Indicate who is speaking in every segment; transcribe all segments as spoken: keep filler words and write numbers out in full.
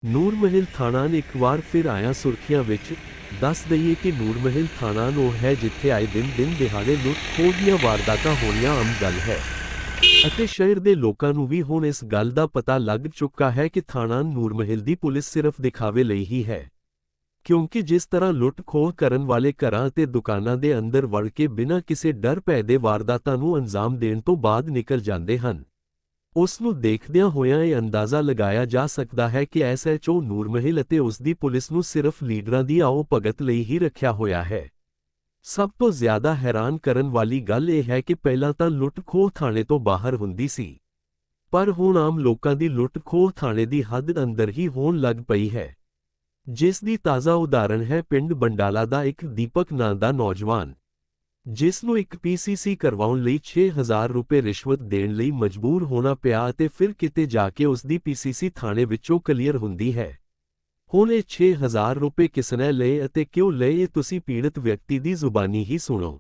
Speaker 1: ਨੂਰ ਮਹਿਲ ਥਾਣਾ ਇੱਕ ਵਾਰ ਫਿਰ ਆਇਆ ਸੁਰਖੀਆਂ ਵਿੱਚ। ਦੱਸ ਦਈਏ ਕਿ ਨੂਰ ਮਹਿਲ ਥਾਣਾ ਉਹ ਹੈ ਜਿੱਥੇ ਆਏ ਦਿਨ ਦਿਨ ਦਿਹਾੜੇ ਲੁੱਟ ਖੋਹ ਦੀਆਂ ਵਾਰਦਾਤਾਂ ਹੋਣੀਆਂ ਆਮ ਗੱਲ ਹੈ ਅਤੇ ਸ਼ਹਿਰ ਦੇ ਲੋਕਾਂ ਨੂੰ ਵੀ ਹੁਣ ਇਸ ਗੱਲ ਦਾ ਪਤਾ ਲੱਗ ਚੁੱਕਾ ਹੈ ਕਿ ਥਾਣਾ ਨੂਰ ਮਹਿਲ ਦੀ ਪੁਲਿਸ ਸਿਰਫ ਦਿਖਾਵੇ ਲਈ ਹੀ ਹੈ, ਕਿਉਂਕਿ ਜਿਸ ਤਰ੍ਹਾਂ ਲੁੱਟ ਖੋਹ ਕਰਨ ਵਾਲੇ ਘਰਾਂ ਅਤੇ ਦੁਕਾਨਾਂ ਦੇ ਅੰਦਰ ਵੜ ਕੇ ਬਿਨਾਂ ਕਿਸੇ ਡਰ ਭੈ ਦੇ ਵਾਰਦਾਤਾਂ ਨੂੰ ਅੰਜਾਮ ਦੇਣ ਤੋਂ ਬਾਅਦ ਨਿਕਲ ਜਾਂਦੇ ਹਨ, ਉਸ ਨੂੰ ਦੇਖਦਿਆਂ ਹੋਇਆਂ ਇਹ ਅੰਦਾਜ਼ਾ ਲਗਾਇਆ ਜਾ ਸਕਦਾ ਹੈ ਕਿ ਐਸ ਐਚ ਓ ਨੂਰ ਮਹਿਲ ਅਤੇ ਉਸ ਦੀ ਪੁਲਿਸ ਨੂੰ ਸਿਰਫ ਲੀਡਰਾਂ ਦੀ ਆਓ ਭਗਤ ਲਈ ਹੀ ਰੱਖਿਆ ਹੋਇਆ ਹੈ। ਸਭ ਤੋਂ ਜ਼ਿਆਦਾ ਹੈਰਾਨ ਕਰਨ ਵਾਲੀ ਗੱਲ ਇਹ ਹੈ ਕਿ ਪਹਿਲਾਂ ਤਾਂ ਲੁੱਟ ਖੋਹ ਥਾਣੇ ਤੋਂ ਬਾਹਰ ਹੁੰਦੀ ਸੀ, ਪਰ ਹੁਣ ਆਮ ਲੋਕਾਂ ਦੀ ਲੁੱਟ ਖੋਹ ਥਾਣੇ ਦੀ ਹੱਦ ਅੰਦਰ ਹੀ ਹੋਣ ਲੱਗ ਪਈ ਹੈ, ਜਿਸ ਦੀ ਤਾਜ਼ਾ ਉਦਾਹਰਣ ਹੈ ਪਿੰਡ ਬੰਡਾਲਾ ਦਾ ਇੱਕ ਦੀਪਕ ਨਾਂ ਦਾ ਨੌਜਵਾਨ, ਜਿਸ ਨੂੰ ਇੱਕ ਪੀ ਸੀ ਸੀ ਕਰਵਾਉਣ ਲਈ ਛੇ ਹਜ਼ਾਰ ਰੁਪਏ ਰਿਸ਼ਵਤ ਦੇਣ ਲਈ ਮਜਬੂਰ ਹੋਣਾ ਪਿਆ ਅਤੇ ਫਿਰ ਕਿਤੇ ਜਾ ਕੇ ਉਸ ਦੀ ਪੀ ਸੀ ਸੀ ਥਾਣੇ ਵਿੱਚੋਂ ਕਲੀਅਰ ਹੁੰਦੀ ਹੈ। ਹੁਣ ਇਹ ਛੇ ਹਜ਼ਾਰ ਰੁਪਏ ਕਿਸਨੇ ਲਏ ਅਤੇ ਕਿਉਂ ਲਏ ਇਹ ਤੁਸੀਂ ਪੀੜਤ ਵਿਅਕਤੀ ਦੀ ਜ਼ੁਬਾਨੀ ਹੀ ਸੁਣੋ।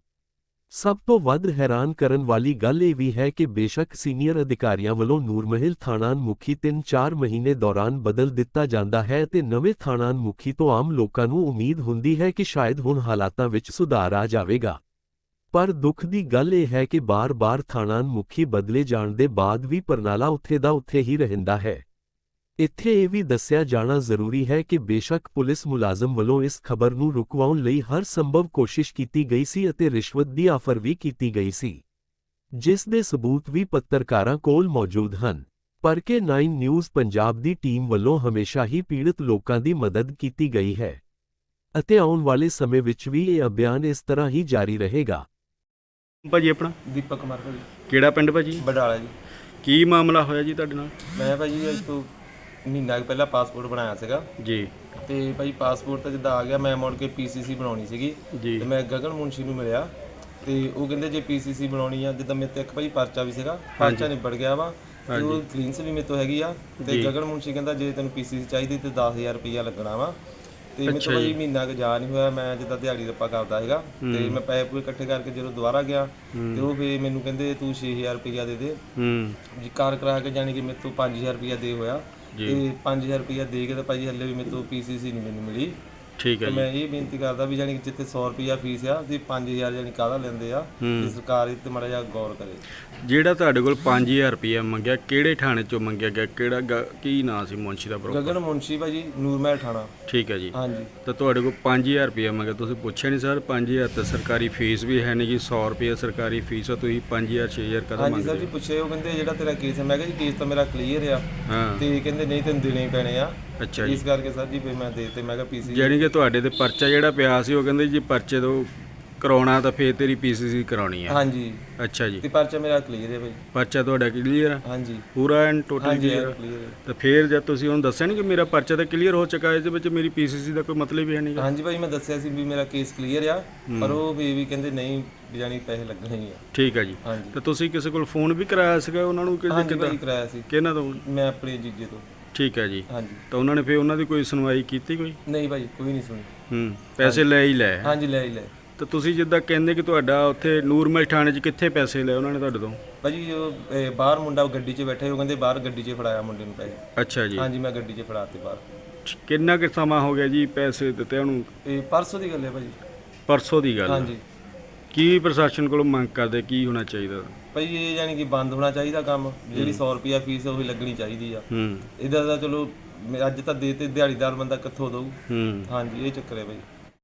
Speaker 1: ਸਭ ਤੋਂ ਵੱਧ ਹੈਰਾਨ ਕਰਨ ਵਾਲੀ ਗੱਲ ਇਹ ਵੀ ਹੈ ਕਿ ਬੇਸ਼ੱਕ ਸੀਨੀਅਰ ਅਧਿਕਾਰੀਆਂ ਵੱਲੋਂ ਨੂਰ ਮਹਿਲ ਥਾਣਾ ਮੁਖੀ ਤਿੰਨ ਚਾਰ ਮਹੀਨੇ ਦੌਰਾਨ ਬਦਲ ਦਿੱਤਾ ਜਾਂਦਾ ਹੈ ਅਤੇ ਨਵੇਂ ਥਾਣਾ ਮੁਖੀ ਤੋਂ ਆਮ ਲੋਕਾਂ ਨੂੰ ਉਮੀਦ ਹੁੰਦੀ ਹੈ ਕਿ ਸ਼ਾਇਦ ਹੁਣ ਹਾਲਾਤਾਂ ਵਿੱਚ ਸੁਧਾਰ ਆ ਜਾਵੇਗਾ, ਪਰ ਦੁੱਖ ਦੀ ਗੱਲ ਇਹ ਹੈ ਕਿ ਬਾਰ-ਬਾਰ ਥਾਣਾ ਮੁਖੀ ਬਦਲੇ ਜਾਣ ਦੇ ਬਾਅਦ ਵੀ ਪ੍ਰਣਾਲਾ ਉੱਥੇ ਦਾ ਉੱਥੇ ਹੀ ਰਹਿੰਦਾ ਹੈ। ਇੱਥੇ ਇਹ ਵੀ ਦੱਸਿਆ ਜਾਣਾ ਜ਼ਰੂਰੀ ਹੈ ਕਿ ਬੇਸ਼ੱਕ ਪੁਲਿਸ ਮੁਲਾਜ਼ਮ ਵੱਲੋਂ ਇਸ ਖਬਰ ਨੂੰ ਰੁਕਵਾਉਣ ਲਈ ਹਰ ਸੰਭਵ ਕੋਸ਼ਿਸ਼ ਕੀਤੀ ਗਈ ਸੀ ਅਤੇ ਰਿਸ਼ਵਤ ਦੀ ਆਫਰ ਵੀ ਕੀਤੀ ਗਈ ਸੀ, ਜਿਸ ਦੇ ਸਬੂਤ ਵੀ ਪੱਤਰਕਾਰਾਂ ਕੋਲ ਮੌਜੂਦ ਹਨ, ਪਰ ਕੇ ਨਾਈਨ ਨਿਊਜ਼ ਪੰਜਾਬ ਦੀ ਟੀਮ ਵੱਲੋਂ ਹਮੇਸ਼ਾ ਹੀ ਪੀੜਤ ਲੋਕਾਂ ਦੀ ਮਦਦ ਕੀਤੀ ਗਈ ਹੈ ਅਤੇ ਆਉਣ ਵਾਲੇ ਸਮੇਂ ਵਿੱਚ ਵੀ ਇਹ ਅਭਿਆਨ ਇਸ ਤਰ੍ਹਾਂ ਹੀ ਜਾਰੀ ਰਹੇਗਾ।
Speaker 2: ਭਾਜੀ ਆਪਣਾ
Speaker 3: ਦੀਪਕ ਕੁਮਾਰ ਭਾਜੀ,
Speaker 2: ਕਿਹੜਾ ਪਿੰਡ ਭਾਜੀ?
Speaker 3: ਬਡਾਲਾ ਜੀ।
Speaker 2: ਕੀ ਮਾਮਲਾ ਹੋਇਆ ਜੀ ਤੁਹਾਡੇ ਨਾਲ?
Speaker 3: ਮੈਂ ਭਾਜੀ ਅੱਜ ਤੋਂ ਮਹੀਨਾ ਕੁ ਪਹਿਲਾਂ ਪਾਸਪੋਰਟ ਬਣਾਇਆ ਸੀਗਾ
Speaker 2: ਜੀ,
Speaker 3: ਤੇ ਭਾਜੀ ਪਾਸਪੋਰਟ ਤਾਂ ਜਿੱਦਾਂ ਆ ਗਿਆ, ਮੈਂ ਮੁੜ ਕੇ ਪੀ ਸੀ ਸੀ ਬਣਾਉਣੀ ਸੀਗੀ
Speaker 2: ਜੀ।
Speaker 3: ਤੇ ਮੈਂ ਗਗਨ ਮੁੰਸ਼ੀ ਨੂੰ ਮਿਲਿਆ ਤੇ ਉਹ ਕਹਿੰਦੇ ਜੇ ਪੀ ਸੀ ਸੀ ਬਣਾਉਣੀ ਆ, ਜਿੱਦਾਂ ਮੇਰੇ ਤੇ ਇੱਕ ਭਾਜੀ ਪਰਚਾ ਵੀ ਸੀਗਾ, ਪਰਚਾ ਨਿਬੜ ਗਿਆ ਵਾ ਤੇ ਉਹ ਕਲੀਨਸ ਵੀ ਮੇਰੇ ਤੋਂ ਹੈਗੀ ਆ ਤੇ ਗਗਨ ਮੁੰਸ਼ੀ ਕਹਿੰਦਾ ਜੇ ਤੈਨੂੰ ਪੀ ਸੀ ਸੀ ਚਾਹੀਦੀ ਤੇ ਦਸ ਹਜ਼ਾਰ ਰੁਪਈਆ ਲੱਗਣਾ ਵਾ ਤੇ ਮੇਰੇ ਤੋਂ ਭਾਜੀ ਮਹੀਨਾ ਕੁ ਜਾ ਨਹੀਂ ਹੋਇਆ, ਮੈਂ ਜਿੱਦਾਂ ਦਿਹਾੜੀ ਰੱਪਾ ਕਰਦਾ ਹੈਗਾ ਤੇ ਮੈਂ ਪੈਸੇ ਪੂਰੇ ਇਕੱਠੇ ਕਰਕੇ ਜਦੋਂ ਦੁਬਾਰਾ ਗਿਆ ਤੇ ਉਹ ਫੇਰ ਮੈਨੂੰ ਕਹਿੰਦੇ ਤੂੰ ਛੇ ਹਜ਼ਾਰ ਰੁਪਈਆ ਦੇ ਦੇ ਜੀ, ਕਾਰ ਕਰਾ ਕੇ ਜਾਣੀ ਕਿ ਮੇਰੇ ਤੋਂ ਪੰਜ ਹਜ਼ਾਰ ਰੁਪਈਆ ਦੇ ਹੋਇਆ ਤੇ ਪੰਜ ਹਜ਼ਾਰ ਰੁਪਈਆ ਦੇ ਕੇ ਤਾਂ ਭਾਜੀ ਹੱਲੇ ਵੀ ਮੇਰੇ ਤੋਂ ਪੀ ਸੀ ਸੀ ਨਹੀਂ ਮੈਨੂੰ ਮਿਲੀ।
Speaker 2: ਠੀਕ ਹੈ ਜੀ।
Speaker 3: ਮੈਂ ਇਹ ਬੇਨਤੀ ਕਰਦਾ ਵੀ ਜਾਨੀ ਕਿ ਜਿੱਥੇ ਸੌ ਰੁਪਈਆ ਫੀਸ ਆ ਤੇ ਪੰਜ ਹਜ਼ਾਰ ਜਾਨੀ ਕਾਹਦਾ ਲੈਂਦੇ ਆ, ਤੇ ਸਰਕਾਰ ਇਹ ਤੇ ਮਾੜਾ ਜਿਹਾ ਗੌਰ ਕਰੇ।
Speaker 2: ਜਿਹੜਾ ਤੁਹਾਡੇ ਕੋਲ ਪੰਜ ਹਜ਼ਾਰ ਰੁਪਇਆ ਮੰਗਿਆ, ਕਿਹੜੇ ਥਾਣੇ ਚੋਂ ਮੰਗਿਆ ਗਿਆ? ਕਿਹੜਾ ਗ- ਕੀ ਨਾਂ ਸੀ ਮੁੰਸ਼ੀ ਦਾ? ਪ੍ਰੋਪਰ
Speaker 3: ਗਗਨ ਮੁੰਸ਼ੀ ਭਾਜੀ, ਨੂਰ ਮਹਿਲ ਥਾਣਾ।
Speaker 2: ਠੀਕ ਹੈ ਜੀ।
Speaker 3: ਹਾਂਜੀ।
Speaker 2: ਤਾਂ ਤੁਹਾਡੇ ਕੋਲ ਪੰਜ ਹਜ਼ਾਰ ਰੁਪਇਆ ਮੰਗਿਆ, ਤੁਸੀਂ ਪੁੱਛਿਆ ਨਹੀਂ ਸਰ? ਪੰਜ ਹਜ਼ਾਰ ਤਾਂ ਸਰਕਾਰੀ ਫੀਸ ਵੀ ਹੈ ਨਹੀਂ ਜੀ, ਸੌ ਰੁਪਇਆ ਸਰਕਾਰੀ ਫੀਸ ਆ, ਤੁਸੀਂ ਪੰਜ ਹਜ਼ਾਰ ਛੇ ਹਜ਼ਾਰ ਕਦੋਂ
Speaker 3: ਹਾਂਜੀ
Speaker 2: ਮੰਗਦੇ?
Speaker 3: ਸਰ ਜੀ ਪੁੱਛੇ, ਉਹ ਕਹਿੰਦੇ ਜਿਹੜਾ ਤੇਰਾ ਕੇਸ ਹੈ, ਮੈਂ ਕਿਹਾ ਜੀ ਕੇਸ ਤਾਂ ਮੇਰਾ ਕਲੀਅਰ ਆ
Speaker 2: ਹਾਂ,
Speaker 3: ਤੇ ਕਹਿੰਦੇ ਨਹੀਂ ਤੈਨੂੰ ਦੇਣੇ ਹੀ ਪੈਣੇ ਆ।
Speaker 2: ਅੱਛਾ ਜੀ।
Speaker 3: ਇਸ ਕਰਕੇ ਸਰ ਜੀ ਫਿਰ ਮੈਂ ਦੇ ਤੇ ਮੈਂ ਕਿਹਾ ਪੀ ਸੀ
Speaker 2: ਜਾਣੀ ਕਿ ਤੁਹਾਡੇ ਤੇ ਪਰਚਾ ਜਿਹੜਾ ਪਿਆ ਸੀ ਉਹ ਕਹਿੰਦੇ ਜੀ ਪਰਚੇ ਤੋਂ ਕਰਾਉਣਾ ਤਾਂ ਫੇਰ ਤੇਰੀ ਪੀ ਸੀ ਸੀ ਕਰਾਉਣੀ ਆ।
Speaker 3: ਹਾਂਜੀ।
Speaker 2: ਅੱਛਾ ਜੀ।
Speaker 3: ਤੇ ਪਰਚਾ ਮੇਰਾ ਕਲੀਅਰ ਹੈ ਭਾਈ।
Speaker 2: ਪਰਚਾ ਤੁਹਾਡਾ ਕਲੀਅਰ ਆ?
Speaker 3: ਹਾਂਜੀ
Speaker 2: ਪੂਰਾ ਐਂਡ ਟੋਟਲ
Speaker 3: ਹਾਂਜੀ
Speaker 2: ਕਲੀਅਰ?
Speaker 3: ਕਲੀਅਰ ਹੈ।
Speaker 2: ਤਾਂ ਫਿਰ ਜਦ ਤੁਸੀਂ ਉਹਨੂੰ ਦੱਸਿਆ ਨਹੀਂ ਕਿ ਮੇਰਾ ਪਰਚਾ ਤਾਂ ਕਲੀਅਰ ਹੋ ਚੁੱਕਾ ਹੈ, ਇਸ ਦੇ ਵਿੱਚ ਮੇਰੀ ਪੀ ਸੀ ਸੀ ਦਾ ਕੋਈ ਮਤਲਬ ਹੀ ਹੈ ਨਹੀਂ?
Speaker 3: ਹਾਂਜੀ ਭਾਈ ਮੈਂ ਦੱਸਿਆ ਸੀ ਵੀ ਮੇਰਾ ਕੇਸ ਕਲੀਅਰ ਆ, ਪਰ ਉਹ ਵੀ ਵੀ ਕਹਿੰਦੇ ਨਹੀਂ ਜਾਨੀ ਪੈਸੇ ਲੱਗਣੇ ਹੀ ਆ।
Speaker 2: ਠੀਕ ਹੈ ਜੀ।
Speaker 3: ਹਾਂਜੀ।
Speaker 2: ਤਾਂ ਤੁਸੀਂ ਕਿਸੇ ਕੋਲ ਫੋਨ ਵੀ ਕਰਾਇਆ ਸੀਗਾ ਉਹਨਾਂ ਨੂੰ? ਕਿ
Speaker 3: ਹਾਂਜੀ ਭਾਈ ਕਰਾਇਆ ਸੀ।
Speaker 2: ਕਿਹਨਾਂ ਤੋਂ?
Speaker 3: ਮੈਂ ਆਪਣੇ ਜੀਜੇ ਤੋਂ।
Speaker 2: ਠੀਕ ਹੈ ਜੀ।
Speaker 3: ਹਾਂਜੀ।
Speaker 2: ਤਾਂ ਉਹਨਾਂ ਨੇ ਫਿਰ ਉਹਨਾਂ ਦੀ ਕੋਈ ਸੁਣਵਾਈ ਕੀਤੀ ਕੋਈ?
Speaker 3: ਨਹੀਂ ਭਾਈ ਕੋਈ ਨਹੀਂ ਸੁਣੀ।
Speaker 2: ਹੂੰ, ਪੈਸੇ ਲੈ ਹੀ ਲੈ?
Speaker 3: ਹਾਂਜੀ ਲੈ ਹੀ ਲੈ।
Speaker 2: ਤਾਂ ਤੁਸੀਂ ਜਿੱਦਾਂ ਕਹਿੰਦੇ ਕਿ ਤੁਹਾਡਾ ਉੱਥੇ ਨੂਰਮਹਿਲ ਥਾਣੇ 'ਚ ਕਿੱਥੇ ਪੈਸੇ ਲਏ ਉਹਨਾਂ ਨੇ ਤੁਹਾਡੇ ਤੋਂ?
Speaker 3: ਭਾਜੀ ਉਹ ਇਹ ਬਾਹਰ ਮੁੰਡਾ ਗੱਡੀ 'ਚ ਬੈਠੇ, ਉਹ ਕਹਿੰਦੇ ਬਾਹਰ ਗੱਡੀ 'ਚ ਫੜਾਇਆ ਮੁੰਡੇ ਨੂੰ ਪੈਸੇ।
Speaker 2: ਅੱਛਾ ਜੀ।
Speaker 3: ਹਾਂਜੀ ਮੈਂ ਗੱਡੀ 'ਚ ਫੜਾਤੇ ਬਾਹਰ।
Speaker 2: ਕਿੰਨਾ ਕੁ ਸਮਾਂ ਹੋ ਗਿਆ ਜੀ ਪੈਸੇ ਦਿੱਤੇ ਉਹਨੂੰ?
Speaker 3: ਇਹ ਪਰਸੋਂ ਦੀ ਗੱਲ ਹੈ ਭਾਜੀ।
Speaker 2: ਪਰਸੋਂ ਦੀ ਗੱਲ?
Speaker 3: ਹਾਂਜੀ।
Speaker 2: ਕੀ ਪ੍ਰਸ਼ਾਸਨ ਕੋਲੋਂ ਮੰਗ ਕਰਦੇ, ਕੀ ਹੋਣਾ ਚਾਹੀਦਾ?
Speaker 3: ਭਾਈ ਇਹ ਯਾਨੀ ਕਿ ਬੰਦ ਹੋਣਾ ਚਾਹੀਦਾ ਕੰਮ, ਜਿਹੜੀ ਸੌ ਰੁਪਿਆ ਫੀਸ ਉਹੀ ਲੱਗਣੀ ਚਾਹੀਦੀ ਆ।
Speaker 2: ਹੂੰ।
Speaker 3: ਇਹਦਾ ਤਾਂ ਚਲੋ ਅੱਜ ਤਾਂ ਦੇ ਤੇ ਦਿਹਾੜੀਦਾਰ ਬੰਦਾ ਕਿੱਥੋਂ ਦਊ।
Speaker 2: ਹੂੰ।
Speaker 3: ਹਾਂਜੀ ਇਹ ਚੱਕਰ ਹੈ ਭਾਈ।